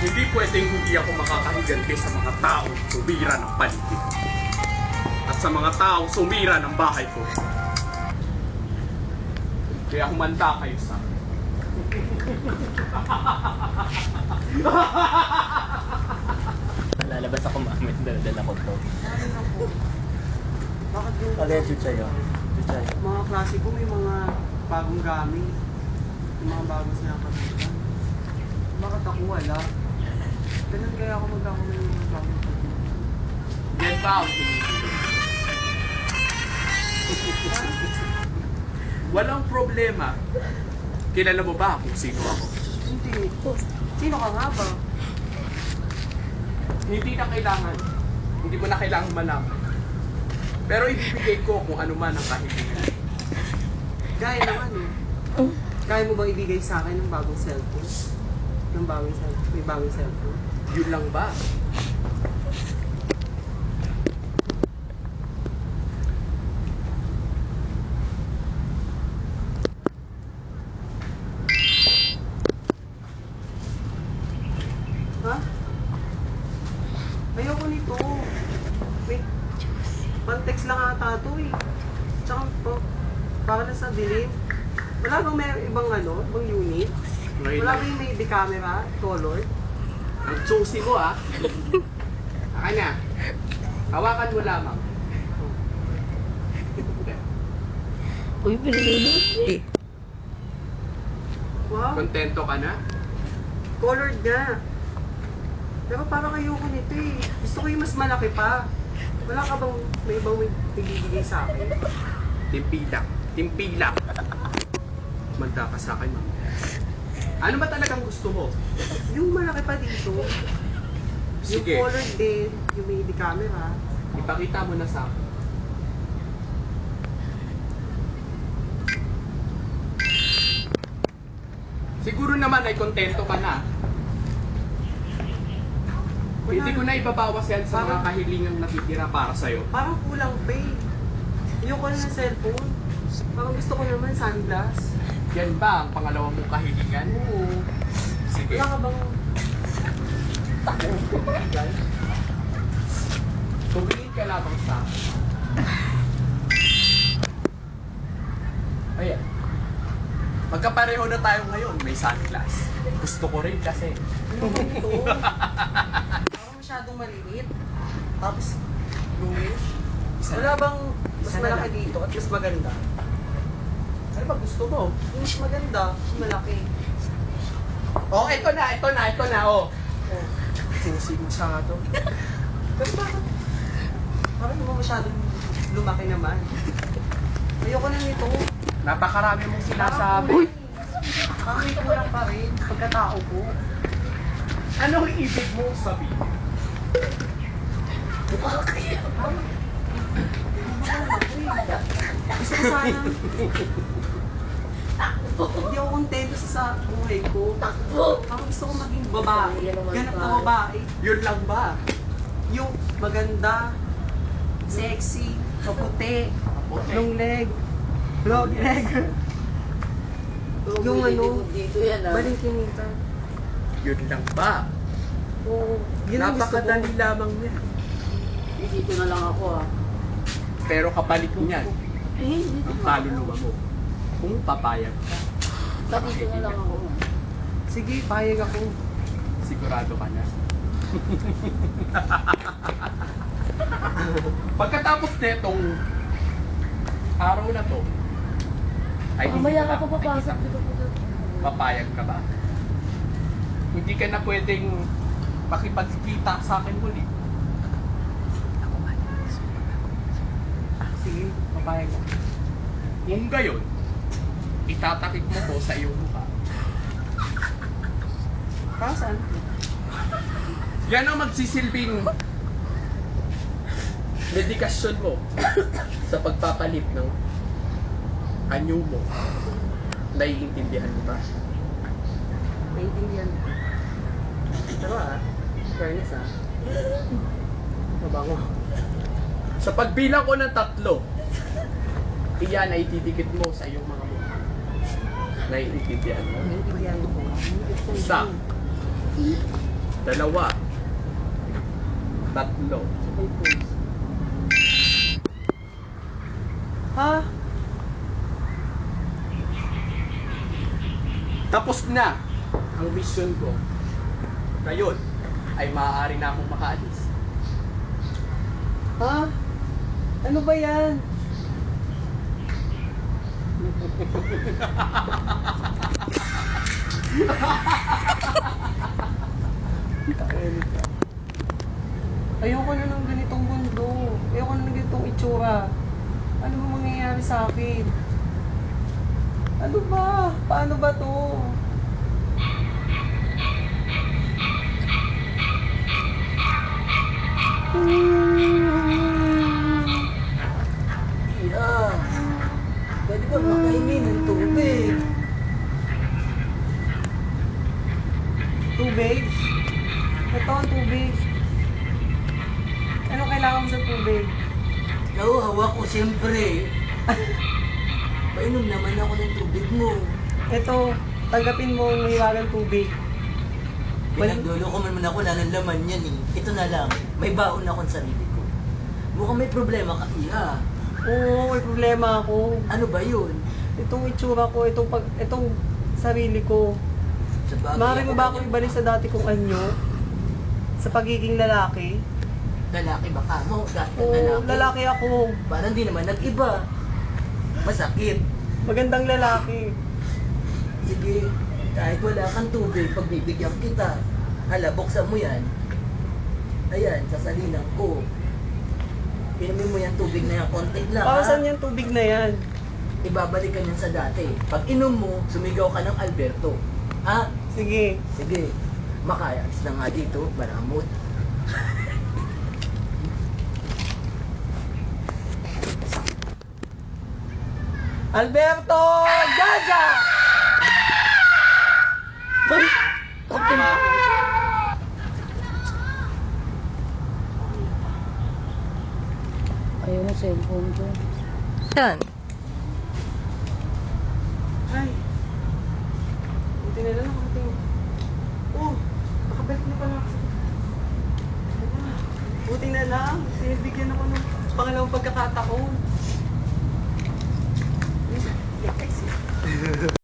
Hindi pwedeng hindi ako makakahiganti sa mga taong sumira ng paligid. At sa mga taong sumira ng bahay ko. Kaya humanda kayo sa akin. Lalabas ako mamit, dala ko to. Ay, naku. Bakit yung Kaya chuchay oh. Chuchay. mga klase ko may mga bagong gamit? Yung mga bagong sinakatutan. Bakit ako wala? Ganun kaya ako magkakaroon ng mga bagong katutan. Yan ba ang pinipili? Walang problema. Kilala mo ba kung sino ako? Hindi. Sino ka nga ba? Hindi na kailangan. Hindi mo na kailangan malaman. Pero ibibigay ko kung ano man ang kahilingan. Gaya naman eh. Kaya mo ba ibigay sa akin ng bagong cellphone? Ng bagong cellphone? May bagong cellphone? Yun lang ba? Ha? Ayoko nito. Wait. Pan-text lang ata ito eh. Tsaka po, para na sa dilim. Wala bang may ibang ano? Ibang unit? Ngayon Wala lang. bang may camera? Color? Ang juicy mo ah. Aka na. Hawakan mo lamang. Uy, pinili. Wow. Kontento ka na? Colored nga. Pero parang ayoko nito eh. Gusto ko yung mas malaki pa. Wala ka bang may ibang may ibibigay sa akin? Timpilak. Timpilak. Manda ka sa akin, ma'am. Ano ba talagang gusto mo? Yung malaki pa dito. Sige. Yung colored din. Yung may camera. Ipakita mo na sa akin. Siguro naman ay kontento ka na. Hindi ko na ibabawas yan sa mga kahilingang natitira para sa'yo. Parang kulang pa eh. Ayoko na ng cellphone. Parang gusto ko naman sunglass. Yan ba ang pangalawa mong kahilingan? Oo. Sige. Wala ka bang... Tumingin ka lamang sa akin. Ayan. Magkapareho na tayo ngayon. May sunglass. Gusto ko rin kasi. Ayoko nito. Parang masyadong maliit. Tapos, bluish. Wala bang mas malaki dito at mas maganda? Ano ba gusto mo? Yung mas maganda, mas malaki. Oh, ito na, oh. Oh, sinisig masyado. Pero bakit? Parang naman masyadong lumaki naman. Ayoko na nito. Napakarami mong sinasabi. Uy! Parang may kulang pa rin pagkatao ko. Anong ibig mong sabihin? Gusto ko sana. Hindi ako kontento sa buhay ko. Parang gusto ko maging babae. Ganap na babae. Yun lang ba? Yung maganda, sexy, kaputi, long leg, long leg. Yung ano, Dito yan ah. balingkinita. Yun lang ba? Oo. Yun ang gusto ko. Napakadali lamang niya. Dito na lang ako ah. Pero kapalit niyan, Eh, ang kaluluwa mo. Kung papayag ka, dito na lang ako. Sige, payag ako. sigurado ka na. Pagkatapos netong araw na to, ay hindi Mamaya ka ka pa papasok makikita. dito po. Papayag ka ba? Hindi ka na pwedeng makipagkita sa akin muli. Sige, papayag ako. Kung gayon, itatakip mo ko sa iyong mukha. Para saan? Yan ang magsisilbing dedikasyon mo sa pagpapalit ng anyo mo. Naiintindihan mo ba? Naiintindihan ko. Pero fairness mabango. Sa pagbilang ko ng 3, iyan ay didikit mo sa iyong mga mukha. Naiintindihan mo? Naiintindihan ko. 1, Dalawa. Tatlo. Sabay pulse. Ha? Tapos na ang mission ko. Ngayon ay maaari na akong makaalis. Ha? Ano ba yan? Ayoko na ng ganitong mundo. Ayoko na ng ganitong itsura. Ano ba mangyayari sa akin? Ano ba? Paano ba to? Yeah. Pwede ba makainin ng tubig? Tubig? Ito ang tubig. Ano kailangan mo sa tubig? Nauhawa ko siyempre. Painom naman ako ng tubig mo. Ito, tanggapin mo ang mahiwagang tubig. Pinagdulo ko man ako na ng laman yan eh. Ito na lang, may baon akong sarili ko. Mukhang may problema ka, Iha. Oo, may problema ako. Ano ba yun? Itong itsura ko, itong sarili ko. Sa bagay Maaari mo ba ako ganyan ibalik ka. sa dati kong anyo? Sa pagiging lalaki? Lalaki ba ka mo? Dati Oo, lalaki. lalaki ako. Parang di naman nag-iba. Masakit. Magandang lalaki. Sige, kahit wala kang tubig, pagbibigyan kita. Hala, buksan mo yan. Ayan, sasalinang ko. Inumin mo yan tubig na yan, konti lang ha. Pawasan yung tubig na yan. Ibabalik ka niyan sa dati. Pag inom mo, sumigaw ka ng Alberto. Ha? Sige. Sige. Makayas na nga dito, maramot. Alberto! Jaja! Ayaw na cellphone ko. Yan. Ay. Buti na lang nakarating. Oh, nakabalik na pala ako. Buti na lang. Sinibigyan ako ng pangalawang pagkakataon.